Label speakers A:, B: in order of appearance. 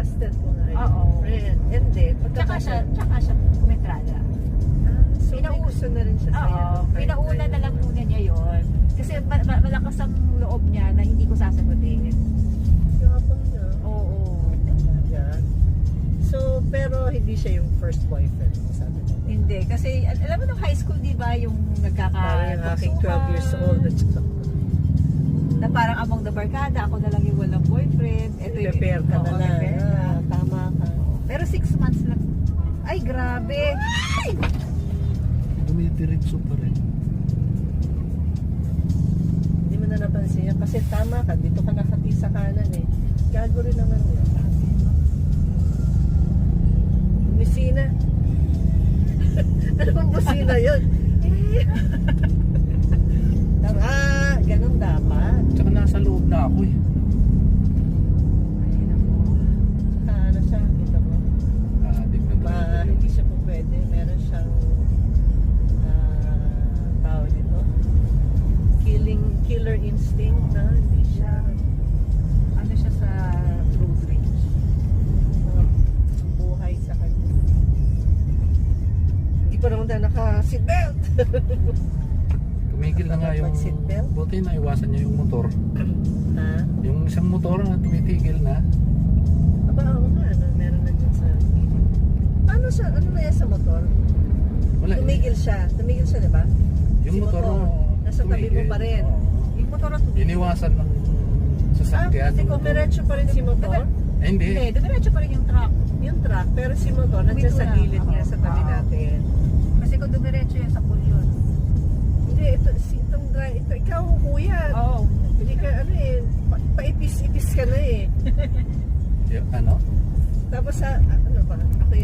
A: Tinetested mo nga
B: Oo.
A: yung friend. Hindi.
B: Tsaka siya kumentrada.
A: So may gusto na rin siya sa'yo.
B: Oo, pinauna na lang muna niya yon. Kasi malakas ang loob niya na hindi ko sasagutin.
A: Yabang niya.
B: Oo.
A: Yan. So, pero hindi siya yung first boyfriend mo, sabi mo.
B: Hindi. Kasi alam mo nung high school, di ba, yung
A: Parang yung aking 12 years old at saka
B: na parang among the barkada, ako na lang yung walang boyfriend. Ito yung
A: prepare ka na
B: Oo,
A: lang.
B: prepare ka.
A: Tama ka.
B: Pero 6 months lang. Ay, grabe.
C: Dumidiretso pa rin.
A: Hindi mo na napansin yan. Kasi tama ka. Dito ka nakati sa kanan eh. Gago rin naman yun. Busina. Ano bang busina yun? Tama. Ganun dapat.
C: Tsaka nasa loob na ako eh.
B: Ay, nako.
A: Saka ano siya, kita mo.
C: Adik na
A: Hindi siya po pwede. Meron siyang tawag dito. Killer instinct na hindi siya
B: Ano siya sa road rage?
A: buhay sa kanya. Hindi pa naman tayo naka-seatbelt.
C: Tumigil na nga yung...
A: Mag-seatbelt?
C: Buti na iwasan niya yung motor.
A: Ha?
C: Yung isang motor na tumitigil na.
A: Aba, oo nga. Meron na dyan sa paano siya? Ano na yan sa motor?
C: Wala.
A: Tumigil siya. Tumigil siya, di ba?
C: Yung
A: Si
C: motor
A: motor, nasa tabi mo pa rin.
C: Oo.
B: Yung motor na tumigil.
C: Iniwasan ng sasakyan.
A: Kasi kung diretso pa rin si motor,
C: Eh, hindi.
B: Hindi, dumiretso pa rin yung truck.
A: yung truck, pero si motor, nandiyan sa
B: Wait,
A: gilid niya sa tabi
B: Oo.
A: natin.
B: Kasi kung dumiretso yun sa pool yun.
A: Hindi, ito, ikaw, kuya.
B: Oo.
A: Hindi ka, ano eh, paipis-ipis ka na eh.
C: Ano?
A: Tapos, ano ba, ako